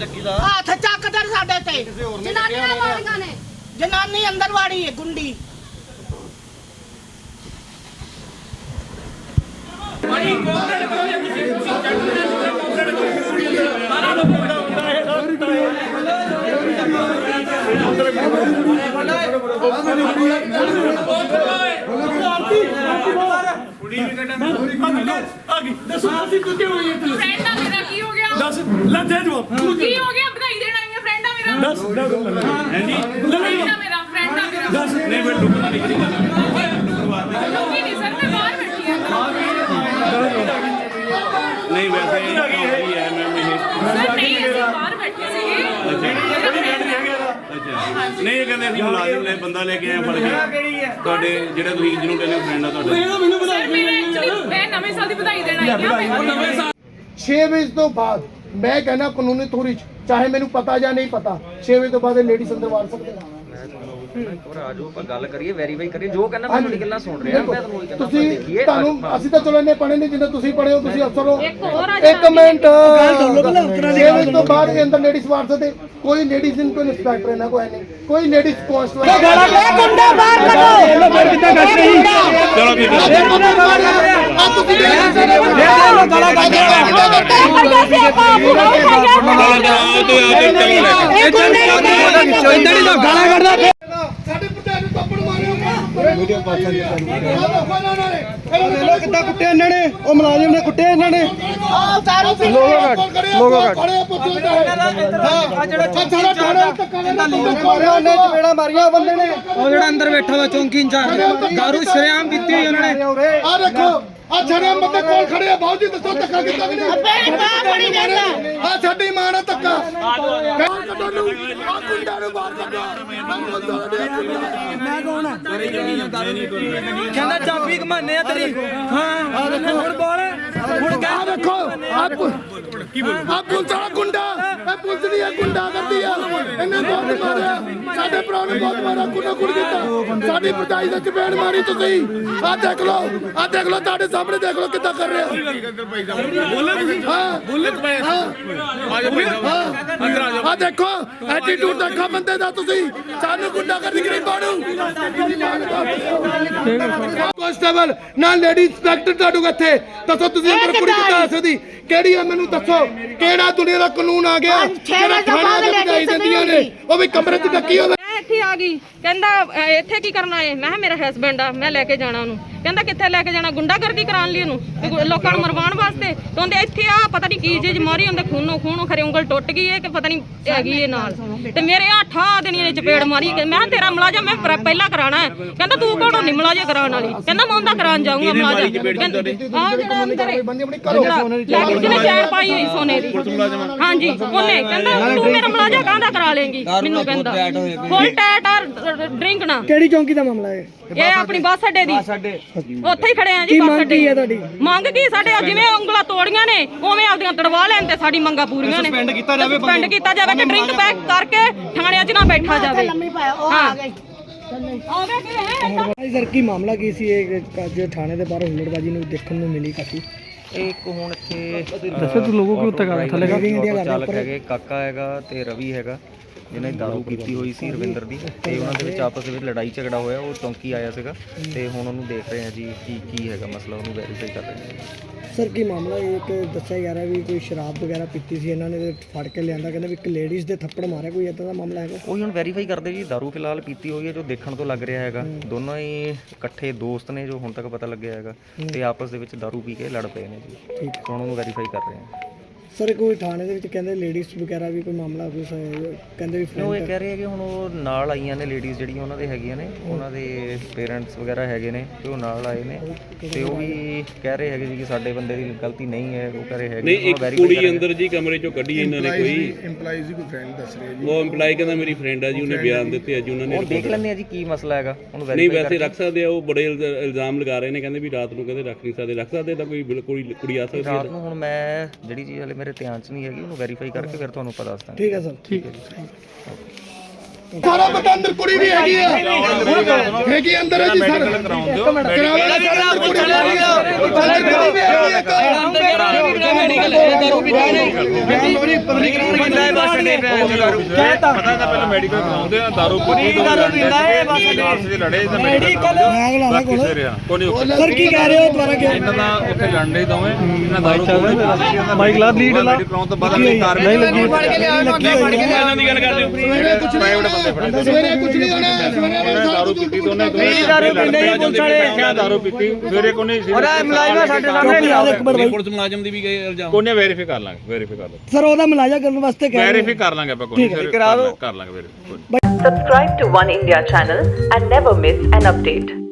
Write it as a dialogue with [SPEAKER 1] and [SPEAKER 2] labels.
[SPEAKER 1] ਹੱਥ ਚੱਕਦਰ ਸਾਡੇ ਤੇ ਜਨਾਨੀਆਂ ਮਾਰੀਆਂ ਨੇ। ਜਨਾਨੀ ਅੰਦਰ ਵਾੜੀ ਹੈ ਗੁੰਡੀ।
[SPEAKER 2] नहीं वैसे नहीं ये कहते ਅਸੀਂ ਮੁਲਾਜ਼ਮ ਨੇ ਬੰਦਾ ਲੈ ਕੇ ਆਏ ਫੜ ਕੇ ਤੁਹਾਡੇ ਜਿਹੜਾ ਤੁਸੀਂ ਜਿਹਨੂੰ ਕਹਿੰਦੇ ਫਰੈਂਡ ਆ ਤੁਹਾਡੇ
[SPEAKER 3] ਮੈਂ ਨਵੇਂ ਸਾਲ ਦੀ ਵਧਾਈ ਦੇਣਾ ਆਈ ਹਾਂ
[SPEAKER 4] 6 ਵਜੇ ਤੋਂ ਬਾਅਦ ਮੈਂ कहना कानूनी थोड़ी चाहे मैंने पता या नहीं पता 6 वजे तो बाद लेडीज अंदर वाड़ सकते हैं।
[SPEAKER 5] ਆਜੋ ਆਪਾਂ ਗੱਲ ਕਰੀਏ ਵੈਰੀਫਾਈ ਕਰੀਏ ਜੋ ਕਹਿੰਦਾ ਮੈਂ ਤੁਹਾਡੀ ਗੱਲਾਂ ਸੁਣ ਰਿਹਾ ਮੈਂ ਤੁਹਾਨੂੰ ਕਹਿੰਦਾ
[SPEAKER 4] ਤੁਸੀਂ
[SPEAKER 5] ਦੇਖੀਏ
[SPEAKER 4] ਤੁਹਾਨੂੰ ਅਸੀਂ ਤਾਂ ਚਲੋ ਇੰਨੇ ਪੜ੍ਹੇ ਨਹੀਂ ਜਿੰਨੇ ਤੁਸੀਂ ਪੜ੍ਹੇ ਹੋ ਤੁਸੀਂ ਅਫਸਰ ਹੋ।
[SPEAKER 1] ਇੱਕ
[SPEAKER 4] ਮਿੰਟ ਗੱਲ ਸੁਣ ਲਓ ਪਹਿਲਾਂ ਤੋਂ ਬਾਅਦ ਦੇ ਅੰਦਰ ਲੇਡੀਜ਼ ਵਾੜ ਸਕਦੇ ਕੋਈ ਲੇਡੀਜ਼ ਇਨ ਕੋਈ ਇੰਸਪੈਕਟਰ ਇਹਨਾਂ ਕੋਈ ਨਹੀਂ ਕੋਈ ਲੇਡੀਜ਼ ਕਾਂਸਟੇਬਲ
[SPEAKER 1] ਗੁੰਡਾ ਬਾਹਰ ਕੱਢੋ।
[SPEAKER 2] ਚਲੋ ਠੀਕ ਹੈ
[SPEAKER 4] ਆ ਤੁਸੀਂ ਸਾਡੇ ਪ੍ਰਧਾਨ ਨੂੰ ਥੱਪੜ ਮਾਰਿਓ ਵੀਡੀਓ ਪਾਸਾ ਕਿੱਦਾਂ ਕੁੱਟੇ ਇਹਨਾਂ ਨੇ ਉਹ ਮੁਲਾਜ਼ਮ ਨੇ ਕੁੱਟੇ ਇਹਨਾਂ ਨੇ
[SPEAKER 1] ਦਾਰੂ ਪੀ
[SPEAKER 4] ਲੋਗੋ ਖੜੇ ਪੁੱਛੋ ਹਾਂ ਜਿਹੜਾ ਸਾਰਾ ਥਾਣਾ ਧੱਕਾ ਮਾਰਿਆ ਉਹਨੇ ਚਪੇੜਾ ਮਾਰੀਆਂ ਬੰਦੇ ਨੇ
[SPEAKER 6] ਉਹ ਜਿਹੜਾ ਅੰਦਰ ਬੈਠਾ ਵਾ ਚੌਂਕੀ ਇੰਚਾਰਜ ਦਾਰੂ ਸ਼ਰੇਆਮ ਪੀਤੀ ਹੋਈ ਉਹਨਾਂ ਨੇ।
[SPEAKER 4] ਆ ਦੇਖੋ ਆ ਛੜਿਆ ਬੰਦੇ ਕੋਲ ਖੜੇ ਆ ਬਾਉ ਜੀ ਦੱਸੋ ਧੱਕਾ ਕਿੱਦਾਂ ਵੀ ਨਹੀਂ ਆ ਸਾਡੀ ਮਾਂ ਨੇ ਧੱਕਾ ਕੱਢੋ ਨੂੰ ਆ ਗੁੰਡਾ ਨੂੰ ਬਾਹਰ ਕੱਢੋ
[SPEAKER 6] ਮੈਂ ਕੌਣ ਆ ਕਹਿੰਦਾ ਚਾਬੀ ਘਮਾਨੇ ਆ ਤੇਰੀ ਹਾਂ ਹੁਣ ਬੋਲ ਹੁਣ
[SPEAKER 4] ਆ ਦੇਖੋ ਆ ਪੁਲਿਸ ਵਾਲਾ ਗੁੰਡਾ ਇਹ ਪੁਲਿਸ ਦੀ ਇਹ ਗੁੰਡਾ ਕਰਦੀ ਆ ਇਹਨੇ ਬਹੁਤ ਮਾਰਿਆ ਸਾਡੇ ਭਰਾ ਨੂੰ ਬਹੁਤ ਮਾਰਿਆ ਕੁੱਟੋ ਕੁੱਟ ਕੀਤਾ ਸਾਡੀ ਭਰਜਾਈ ਦੇ ਚਪੇੜ ਮਾਰੀ ਤੁਸੀਂ ਆ ਦੇਖ ਲਓ ਤੁਹਾਡੇ ਸਾਹਮਣੇ ਦੇਖ ਲਓ ਕਿੱਦਾਂ ਕਰ ਰਿਹਾ ਆ ਦੇਖੋ ਐਟੀਟਿਊਡ ਦੇਖੋ ਬੰਦੇ ਦਾ ਤੁਸੀਂ ਸਾਨੂੰ ਗੁੰਡਾ ਕਰਦੀ ਗਰੀਬਾਂ ਨੂੰ ਕਾਂਸਟੇਬਲ ਨਾ ਲੇਡੀ ਇੰਸਪੈਕਟਰ ਤੁਹਾਡੇ ਇੱਥੇ ਦੱਸੋ ਤੁਸੀਂ ਅੰਦਰ ਕੁੜੀ ਕਿੱਦਾਂ ਆ ਸਕਦੀ ਕਿਹੜੀ ਆ ਮੈਨੂੰ ਦੱਸੋ ਕਿਹੜਾ ਦੁਨੀਆ ਦਾ ਕਾਨੂੰਨ ਆ ਗਿਆ ਜਿਹੜਾ ਥਾਣੇ ਦੇ ਭਜਾਈ ਦਿੰਦੀਆਂ ਨੇ ਉਹ ਵੀ ਕਮਰੇ 'ਚ ਡੱਕੀ ਹੋਵੇ।
[SPEAKER 3] ਇੱਥੇ ਆ ਗਈ ਕਹਿੰਦਾ ਇੱਥੇ ਕੀ ਕਰਨਾ ਹੈ ਮੈਂ ਕਿਹਾ ਮੇਰਾ ਹਸਬੈਂਡ ਆ ਮੈਂ ਲੈ ਕੇ ਜਾਣਾ ਉਹਨੂੰ ਕਹਿੰਦਾ ਕਿੱਥੇ ਲੈ ਕੇ ਜਾਣਾ ਗੁੰਡਾਗਰਦੀ ਕਰਾਉਣ ਲਈ ਉਹਨੂੰ ਲੋਕਾਂ ਨੂੰ ਮਰਵਾਉਣ ਵਾਸਤੇ ਤੇ ਉਹਦੇ ਇੱਥੇ ਆ ਪਤਾ ਨਹੀਂ ਕੀ ਚੀਜ਼ ਮਾਰੀ ਉਹਦੇ ਖੂਨੋਂ ਖਰੇ ਉਂਗਲ ਟੁੱਟ ਗਈ ਹੈ ਕਿ ਪਤਾ ਨਹੀਂ ਹੈਗੀ ਇਹ ਨਾਲ ਤੇ ਮੇਰੇ ਆਠਾ ਦਿਨੀਆਂ ਨੇ ਚਪੇੜ ਮਾਰੀ ਮੈਂ ਕਿਹਾ ਤੇਰਾ ਮੁਲਾਜ਼ਮ ਮੈਂ ਪਹਿਲਾਂ ਕਰਾਣਾ ਹੈ ਕਹਿੰਦਾ ਤੂੰ ਕੌਣ ਨਹੀਂ ਮੁਲਾਜ਼ਮ ਕਰਾਉਣ ਵਾਲੀ ਕਹਿੰਦਾ ਮੈਂ ਉਹਦਾ ਕਰਾਉਣ ਜਾਊਂਗਾ ਮੁਲਾਜ਼ਮ ਜਿਹਨੇ ਚੈਨ ਪਾਈ ਹੋਈ ਸੋਨੇ ਦੀ ਹਾਂਜੀ ਉਹਨੇ ਕਹਿੰਦਾ ਤੂੰ ਮੇਰਾ ਮੁਲਾਜ਼ਮ ਕਾਹਦਾ ਕਰਾ ਲੇਂਗੀ ਮੈਨੂੰ ਕਹਿੰਦਾ ਫੁੱਲ ਟੈਟ ਔਰ ਡਰਿੰਕ ਨਾ।
[SPEAKER 6] ਕਿਹੜੀ ਚੌਂਕੀ ਦਾ ਮਾਮਲਾ ਹੈ
[SPEAKER 3] ਇਹ ਆਪਣੀ ਬੱਸ ਅੱਡੇ ਦੀ ਉੱਥੇ ਹੀ ਖੜੇ ਆ ਜੀ ਬੱਸ ਅੱਡੇ ਤੁਹਾਡੀ ਮੰਗ ਕੀ ਸਾਡੇ ਜਿਵੇਂ ਉਂਗਲਾਂ ਤੋੜੀਆਂ ਨੇ ਉਵੇਂ ਆਪਦੀਆਂ ਤੜਵਾ ਲੈਣ ਤੇ ਸਾਡੀ ਮੰਗਾਂ ਪੂਰੀਆਂ ਨੇ ਸਸਪੈਂਡ ਕੀਤਾ ਜਾਵੇ ਕਿ ਡਰਿੰਕ ਪੈਕ ਕਰਕੇ ਥਾਣਿਆਂ 'ਚ ਨਾ ਬੈਠਾ ਜਾਵੇ ਹਾਂ
[SPEAKER 6] ਸਰ ਕੀ ਮਾਮਲਾ ਕੀ ਸੀ ਇਹ ਜੋ ਥਾਣੇ ਦੇ ਬਾਹਰ ਹੁਲੜਬਾਜੀ ਨੂੰ ਦੇਖਣ ਨੂੰ ਮਿਲੀ ਕਾਫੀ
[SPEAKER 5] ਇੱਕ ਹੁਣ ਇੱਥੇ
[SPEAKER 6] ਦੱਸੋ ਤੂੰ ਲੋਗੋ ਕਿਉਂ ਉੱਤੇ ਕਰ ਥੱਲੇ
[SPEAKER 5] ਚਾਲਕ ਹੈਗੇ ਕਾਕਾ ਹੈਗਾ ਤੇ ਰਵੀ ਹੈਗਾ ਜਿਹਨੇ ਦਾਰੂ ਪੀਤੀ ਹੋਈ ਸੀ ਰਵਿੰਦਰ ਦੀ ਤੇ ਉਹਨਾਂ ਦੇ ਵਿੱਚ ਆਪਸ ਦੇ ਵਿੱਚ ਲੜਾਈ ਝਗੜਾ ਹੋਇਆ ਉਹ ਚੌਂਕੀ ਆਇਆ ਸੀਗਾ ਤੇ ਹੁਣ ਉਹਨੂੰ ਦੇਖ ਰਹੇ ਆ ਜੀ ਕੀ ਹੈਗਾ ਮਸਲਾ ਉਹਨੂੰ ਵੈਰੀਫਾਈ ਕਰ ਰਹੇ ਆ।
[SPEAKER 6] ਸਰ ਕੀ ਮਾਮਲਾ ਇੱਕ ਦੱਸਿਆ ਜਾ ਰਿਹਾ ਵੀ ਕੋਈ ਸ਼ਰਾਬ ਵਗੈਰਾ ਪੀਤੀ ਸੀ ਇਹਨਾਂ ਨੇ ਫੜ ਕੇ ਲਿਆਂਦਾ ਕਹਿੰਦੇ ਵੀ ਇੱਕ ਲੇਡੀਜ਼ ਦੇ ਥੱਪੜ ਮਾਰਿਆ ਕੋਈ ਇਦਾਂ ਦਾ ਮਾਮਲਾ ਹੈਗਾ
[SPEAKER 5] ਉਹੀ ਹੁਣ ਵੈਰੀਫਾਈ ਕਰਦੇ ਜੀ ਦਾਰੂ ਫਿਲਹਾਲ ਪੀਤੀ ਹੋਈ ਹੈ ਜੋ ਦੇਖਣ ਤੋਂ ਲੱਗ ਰਿਹਾ ਹੈਗਾ ਦੋਨੋਂ ਹੀ ਇਕੱਠੇ ਦੋਸਤ ਨੇ ਜੋ ਹੁਣ ਤੱਕ ਪਤਾ ਲੱਗਿਆ ਹੈਗਾ ਤੇ ਆਪਸ ਦੇ ਵਿੱਚ ਦਾਰੂ ਪੀ ਕੇ ਲੜ ਪਏ ਨੇ ਜੀ ਠੀਕ ਹੁਣ ਉਹਨੂੰ ਵੈਰੀਫਾਈ ਕਰ ਰਹੇ ਆ।
[SPEAKER 6] ਸਰ ਕੋਈ ਥਾਣੇ ਦੇ ਵਿੱਚ ਕਹਿੰਦੇ ਲੇਡੀਜ਼ ਵਗੈਰਾ ਵੀ ਕੋਈ ਮਾਮਲਾ ਕੁਝ ਕਹਿੰਦੇ ਵੀ
[SPEAKER 5] ਉਹ ਇਹ ਕਹਿ ਰਹੇ ਕਿ ਹੁਣ ਉਹ ਨਾਲ ਆਈਆਂ ਨੇ ਲੇਡੀਜ਼ ਜਿਹੜੀਆਂ ਉਹਨਾਂ ਦੇ ਹੈਗੀਆਂ ਨੇ ਉਹਨਾਂ ਦੇ ਪੇਰੈਂਟਸ ਵਗੈਰਾ ਹੈਗੇ ਨੇ ਤੇ ਉਹ ਨਾਲ ਆਏ ਨੇ ਤੇ ਉਹ ਵੀ ਕਹਿ ਰਹੇ ਹੈਗੇ ਜੀ ਕਿ ਸਾਡੇ ਬੰਦੇ ਦੀ ਗਲਤੀ ਨਹੀਂ ਹੈ ਉਹ ਕਹਿ ਰਹੇ ਹੈਗੇ
[SPEAKER 2] ਨਹੀਂ ਇੱਕ ਕੁੜੀ ਅੰਦਰ ਜੀ ਕਮਰੇ ਚੋਂ ਕੱਢੀ ਇਹਨਾਂ ਨੇ ਕੋਈ
[SPEAKER 4] EMPLOYEES ਦੀ ਕੋਈ ਫਰੈਂਡ ਦੱਸ ਰਿਹਾ ਜੀ
[SPEAKER 2] ਉਹ EMPLOYE ਕਹਿੰਦਾ ਮੇਰੀ ਫਰੈਂਡ ਆ ਜੀ ਉਹਨੇ ਬਿਆਨ ਦਿੱਤੇ ਅੱਜ ਉਹਨਾਂ ਨੇ
[SPEAKER 5] ਉਹ ਦੇਖ ਲੈਂਦੇ ਆ ਜੀ ਕੀ ਮਸਲਾ ਹੈਗਾ ਉਹਨੂੰ
[SPEAKER 2] ਨਹੀਂ ਵੈਸੇ ਰੱਖ ਸਕਦੇ ਆ ਉਹ ਬੜੇ ਇਲਜ਼ਾਮ ਲਗਾ ਰਹੇ ਨੇ ਕਹਿੰਦੇ ਵੀ ਰਾਤ ਨੂੰ ਕਹਿੰਦੇ ਰੱਖ ਨਹੀਂ ਸਕਦੇ ਤਾਂ ਕੋਈ ਬਿਲਕੁਲ ਕੁੜੀ ਆ ਸਕਦੀ
[SPEAKER 5] ਰਾਤ ਨੂੰ ਹੁਣ ਮੈਂ ਜਿਹੜੀ ਚੀਜ਼ ਹਲੇ ਮੇਰੇ ਧਿਆਨ 'ਚ ਨਹੀਂ ਹੈਗੀ ਉਹਨੂੰ ਵੈਰੀਫਾਈ ਕਰਕੇ ਫਿਰ ਤੁਹਾਨੂੰ ਪਤਾ ਦੱਸਦਾ
[SPEAKER 6] ਠੀਕ ਹੈ ਸਰ ਠੀਕ ਹੈ ਜੀ।
[SPEAKER 4] ਸਾਰਾ ਪਤਾ ਅੰਦਰ ਕੁੜੀ ਵੀ ਹੈਗੀ ਆ ਹੈਗੀ ਅੰਦਰ ਹੈ ਜੀ ਸਰ ਕਰਾਵਾਂਗੇ ਸਰ ਅੰਦਰ ਕੁੜੀ ਵੀ ਹੈਗੀ ਆ ਅੰਦਰ ਕੁੜੀ ਵੀ ਹੈਗੀ ਆ
[SPEAKER 7] ਪਤਾ ਤਾਂ ਪਹਿਲਾਂ ਮੈਡੀਕਲ ਕਰਾਉਂਦੇ ਆ ਦਾਰੂ ਪੀਂਦਾ ਹੈ ਬਸ ਦੇ ਲੜੇ ਤਾਂ ਮੈਡੀਕਲ ਬਾਕੀ ਸਿਰ ਆ ਕੋਈ ਨਹੀਂ
[SPEAKER 6] ਸਰ ਕੀ ਕਹਿ ਰਹੇ ਹੋ ਦੁਬਾਰਾ ਕਿ
[SPEAKER 7] ਇਹਨਾਂ ਦਾ ਉੱਥੇ ਲੜਦੇ ਦੋਵੇਂ ਇਹਨਾਂ ਦਾਰੂ ਮਾਈਕ ਲਾ ਲੀਡ ਲਾ ਕਰਾਉਣ ਤੋਂ ਬਾਅਦ ਇਹ ਕਾਰਵਾਈ ਲੱਗੀ
[SPEAKER 2] ਇਹਨਾਂ ਦੀ ਗੱਲ ਕਰਦੇ ਹੋ
[SPEAKER 7] ਪ੍ਰਾਈਵੇਟ ਬੰਦੇ ਫੜੇ
[SPEAKER 4] ਸਵੇਰੇ ਕੁਝ ਨਹੀਂ ਹੋਣਾ ਸਵੇਰੇ
[SPEAKER 7] ਦਾਰੂ ਪੀਤੀ ਦੋਨੇ ਦਾਰੂ ਪੀਂਦੇ ਹੀ ਪੁਲਿਸ ਵਾਲੇ ਆਖਿਆ ਦਾਰੂ ਪੀਤੀ ਸਵੇਰੇ ਕੋਈ ਨਹੀਂ ਸੀ ਔਰ ਮੁਲਾਜ਼ਮ ਸਾਡੇ ਸਾਹਮਣੇ
[SPEAKER 2] ਪੁਲਿਸ ਮੁਲਾਜ਼ਮ ਦੀ ਵੀ ਗਏ ਇਲਜ਼ਾਮ
[SPEAKER 7] ਕੋਨੇ ਵੈਰੀਫਾਈ ਕਰ ਲਾਂਗੇ
[SPEAKER 6] ਸਰ ਉਹਦਾ ਮੁਲਾਜ਼ਾ ਕਰਨ ਵਾਸਤੇ ਕਹਿ ਰਹੇ
[SPEAKER 7] ਵੈਰੀਫਾਈ ਕਰ ਲਾਂਗੇ ਆਪਾਂ ਕੋਈ ਕਰਾ ਦੋ ਕਰ ਲਾਂਗੇ verify
[SPEAKER 8] Subscribe to One India channel and never miss an update.